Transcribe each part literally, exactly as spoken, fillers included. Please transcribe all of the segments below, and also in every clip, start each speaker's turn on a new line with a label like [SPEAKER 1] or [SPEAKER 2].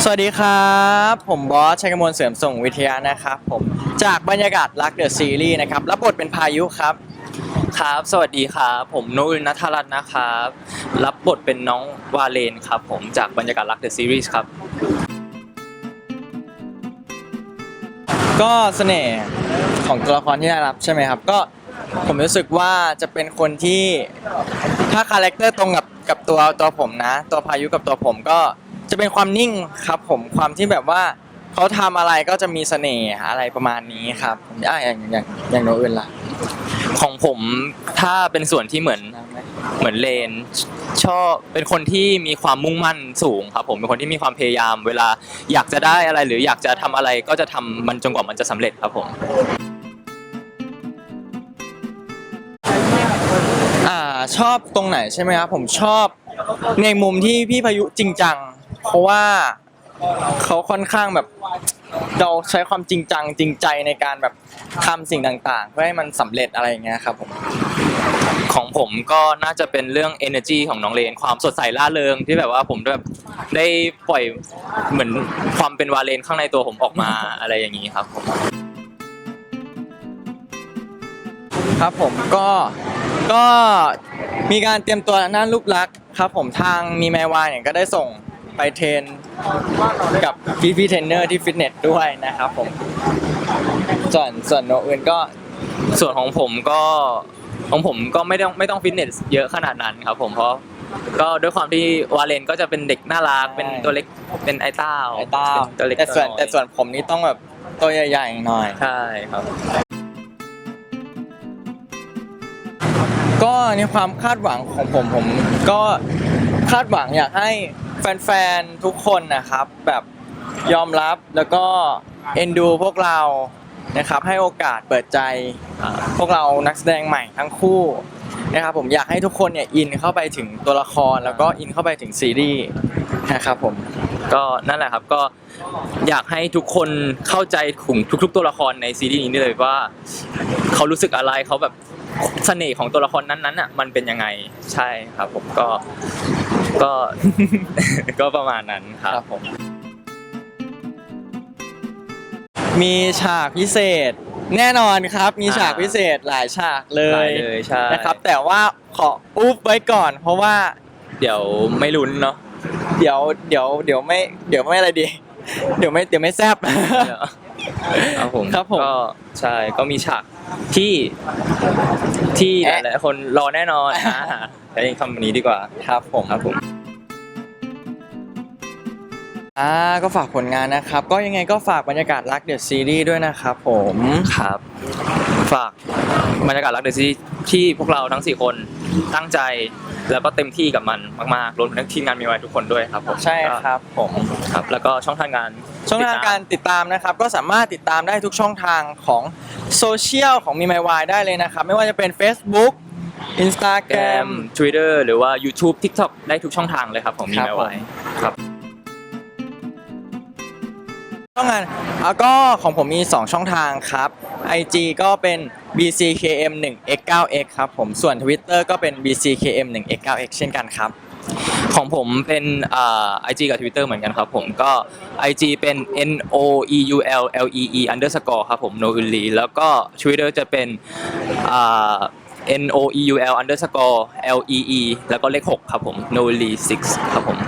[SPEAKER 1] สวัสดีครับผมบอสชัยกมลเสริมส่งวิทยานะครับผมจากบรรยากาศรักเดอะซีรีส์นะครับรับบทเป็นพายุครับ
[SPEAKER 2] ครับสวัสดีครับผมโนอึลณัฐรัตน์นะครับรับบทเป็นน้องวาเลนครับผมจากบรรยากาศรักเดอะซีรีส์ครับ
[SPEAKER 1] ก็เสน่ห์ของตัวละครที่ได้รับใช่ไหมครับก็ผมรู้สึกว่าจะเป็นคนที่ถ้าคาแรคเตอร์ตรงกับกับตัวตัวผมนะตัวพายุกับตัวผมก็จะเป็นความนิ่งครับผมความที่แบบว่าเขาทำอะไรก็จะมีเสน่ห์อะไรประมาณนี้ครับอ่ะอย่างอย่างอย่างโนอื่นล่ะ
[SPEAKER 2] ของผมถ้าเป็นส่วนที่เหมือนเหมือนเลนชอบเป็นคนที่มีความมุ่งมั่นสูงครับผมเป็นคนที่มีความพยายามเวลาอยากจะได้อะไรหรืออยากจะทำอะไรก็จะทำมันจนกว่ามันจะสำเร็จครับผม
[SPEAKER 1] อ่าชอบตรงไหนใช่ไหมครับผมชอบในมุมที่พี่พายุจริงจังเพราะว่าเขาค่อนข้างแบบเราใช้ความจริงจังจริงใจในการแบบทำสิ่งต่างๆเพื่อให้มันสำเร็จอะไรอย่างเงี้ยครับผม
[SPEAKER 2] ของผมก็น่าจะเป็นเรื่อง energy ของน้องเลนความสดใสร่าเริงที่แบบว่าผมแบบได้ปล่อยเหมือนความเป็นวาเลนข้างในตัวผมออกมาอะไรอย่างนี้ครับผม
[SPEAKER 1] ครับผมก็ก็มีการเตรียมตัวด้านรูปลักษณ์ครับผมทางมีแมวายเนี่ยก็ได้ส่งไปเทรนกับพี่พี่เทรนเนอร์ที่ฟิตเนสด้วยนะครับผมส่วนส่วนโนอื่นก็
[SPEAKER 2] ส่วนของผมก็ของผมก็ไม่ต้องไม่ต้องฟิตเนสเยอะขนาดนั้นครับผมเพราะก็ด้วยความที่วาเลนก็จะเป็นเด็กน่ารักเป็นตัวเล็กเป็นไอ้เต้า
[SPEAKER 1] ไอ้เต้า
[SPEAKER 2] ตัวเล็ก
[SPEAKER 1] แต่ส่วนแต่ส่วนผมนี่ต้องแบบตัวใหญ่ๆหน่อย
[SPEAKER 2] ใช่ครับ
[SPEAKER 1] ก็ในความคาดหวังของผมผมก็คาดหวังอยากให้แฟนๆทุกคนนะครับแบบยอมรับแล้วก็เอ็นดูพวกเรานะครับให้โอกาสเปิดใจพวกเรานักแสดงใหม่ทั้งคู่นะครับผมอยากให้ทุกคนเนี่ยอินเข้าไปถึงตัวละครแล้วก็อินเข้าไปถึงซีรีส์นะครับผม
[SPEAKER 2] ก็นั่นแหละครับก็อยากให้ทุกคนเข้าใจถึงทุกๆตัวละครในซีรีส์นี้เลยว่าเขารู้สึกอะไรเขาแบบเสน่ห์ของตัวละครนั้นๆอ่ะมันเป็นยังไงใช่ครับผมก็ก็ก็ประมาณนั้นครับผม
[SPEAKER 1] มีฉากพิเศษแน่นอนครับมีฉากพิเศษหลายฉากเลยนะครับแต่ว่าขออุ๊บไว้ก่อนเพราะว่า
[SPEAKER 2] เดี๋ยวไม่ลุ้นเนาะ
[SPEAKER 1] เดี๋ยวเดี๋ยวเดี๋ยวไม่เดี๋ยวไม่อะไรดีเดี๋ยวไม่เดี๋ยวไม่แซ่บ
[SPEAKER 2] ครับผม
[SPEAKER 1] ครับผม
[SPEAKER 2] ก็ใช่ก็มีฉากที่ที่หลายๆคนรอแน่นอนใช้คำนี้ดีกว่า
[SPEAKER 1] ครับผม
[SPEAKER 2] ครับผม
[SPEAKER 1] อ่าก็ฝากผลงานนะครับก็ยังไงก็ฝากบรรยากาศรักเดอะซีรีส์ด้วยนะครับผม
[SPEAKER 2] ครับฝากบรรยากาศรักเดอะซีรีส์ที่พวกเราทั้งสี่คนตั้งใจแล้วก็เต็มที่กับมันมากๆรวมทั้งทีมงานมีไว้ทุกคนด้วยครับผม
[SPEAKER 1] ใช่ครับผม
[SPEAKER 2] ครับแล้วก็ช่องทางงาน
[SPEAKER 1] ช่องทางการติดตามนะครับก็สามารถติดตามได้ทุกช่องทางของโซเชียลของมีไมวายได้เลยนะครับไม่ว่าจะเป็น Facebook Instagram
[SPEAKER 2] Twitter หรือว่า YouTube TikTok ได้ทุกช่องทางเลยครับผมมีไมวายครับ
[SPEAKER 1] ช่องงานแล้วก็ของผมมีสองช่องทางครับ ไอ จี ก็เป็น บี ซี เค เอ็ม หนึ่ง เอ็กซ์ เก้า เอ็กซ์ ครับผมส่วน Twitter ก็เป็น บี ซี เค เอ็ม หนึ่ง เอ็กซ์ เก้า เอ็กซ์ เช่นกันครับ
[SPEAKER 2] ของผมเป็นอ่า ไอ จี กับ Twitter เหมือนกันครับผมก็ ไอ จี เป็น เอ็น โอ อี ยู แอล แอล อี อี underscore ครับผม nouli แล้วก็ Twitter จะเป็นอ่า N O E U L underscore L E E แล้วก็เลขหกครับผม nouli หกครับผม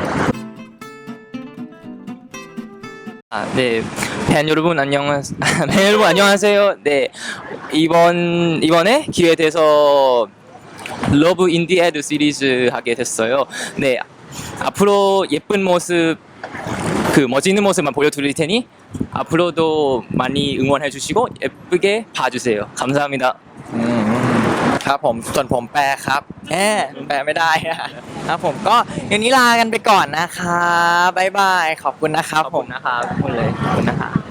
[SPEAKER 2] 네, 팬 여러분 안녕하세요. 팬 여러분 안녕하세요. 네, 이번 이번에 기회에 돼서 러브 인디 애드 시리즈 하게 됐어요. 네, 앞으로 예쁜 모습, 그 멋있는 모습만 보여드릴 테니 앞으로도 많이 응원해 주시고 예쁘게 봐주세요. 감사합니다.
[SPEAKER 1] ครับผมส่วนผมแปลครับแหมแปลไม่ได้ครับผมก็อย่างนี้ลากันไปก่อนนะครับบ๊ายบายขอบคุณนะครับ
[SPEAKER 2] ขอบคุณนะครับขอบคุณเลยขอบคุณนะครับ